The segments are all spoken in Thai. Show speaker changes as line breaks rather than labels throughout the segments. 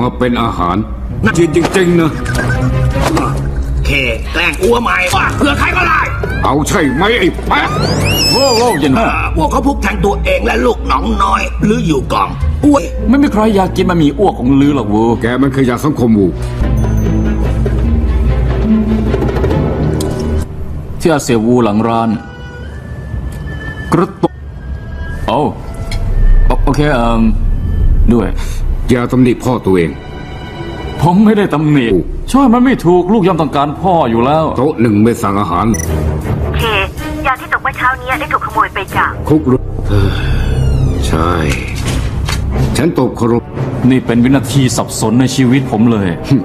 มาเป็นอาหารน่าจริงๆนะ
เคแกล้งอ้วใหม่ว่าเพื่อใครก็ได้
เอาใช่ไหมไอ้แป๊ะ
โว้วเย็น
พวกเขาพุกแทงตัวเองและลูกน้องน้อยหรืออยู่กองอ้วย
ไม่มีใครอยากกินบะหมี่อ้วกของลือหรอกเวู
แกมันขยะสังคมวู
ที่อาเซียวูหลังร้านกระตุกโอเคด้วย
อย่าตำหนิพ่อตัวเอง
ผมไม่ได้ตำหนิช่วยมันไม่ถูกลูกย่อมต้องการพ่ออยู่แล้ว
โต๊ะหนึ่งไม่สั่งอาหาร
เคยาที่ตกเมื่อเช้านี้ได้ถูกขโมยไปจาก
คุกรุ่ใช่ ฉันตบเคารพ
นี่เป็นวินาทีสับสนในชีวิตผมเลย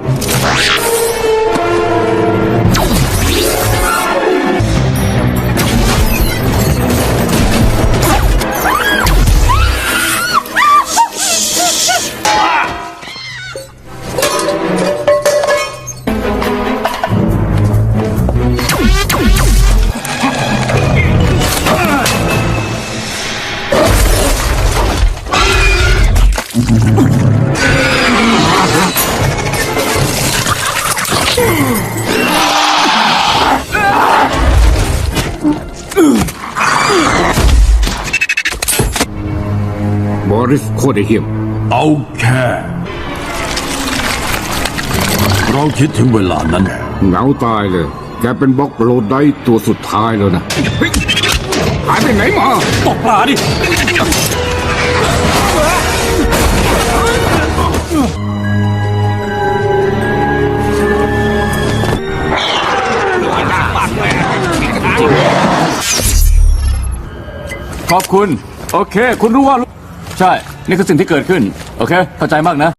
บอริสโคตรเหี้ยม
เอาแค่เราคิดถึงเวลานั้น
เหงาตายเลย แกเป็นบล็อกโลดได้ตัวสุดท้ายแล้วนะเฮ้ยหายไปไหนมา
ตกปลาดิ ขอบคุณ โอเค คุณรู้ว่า ใช่ นี่คือสิ่งที่เกิดขึ้น โอเค เข้าใจมากนะ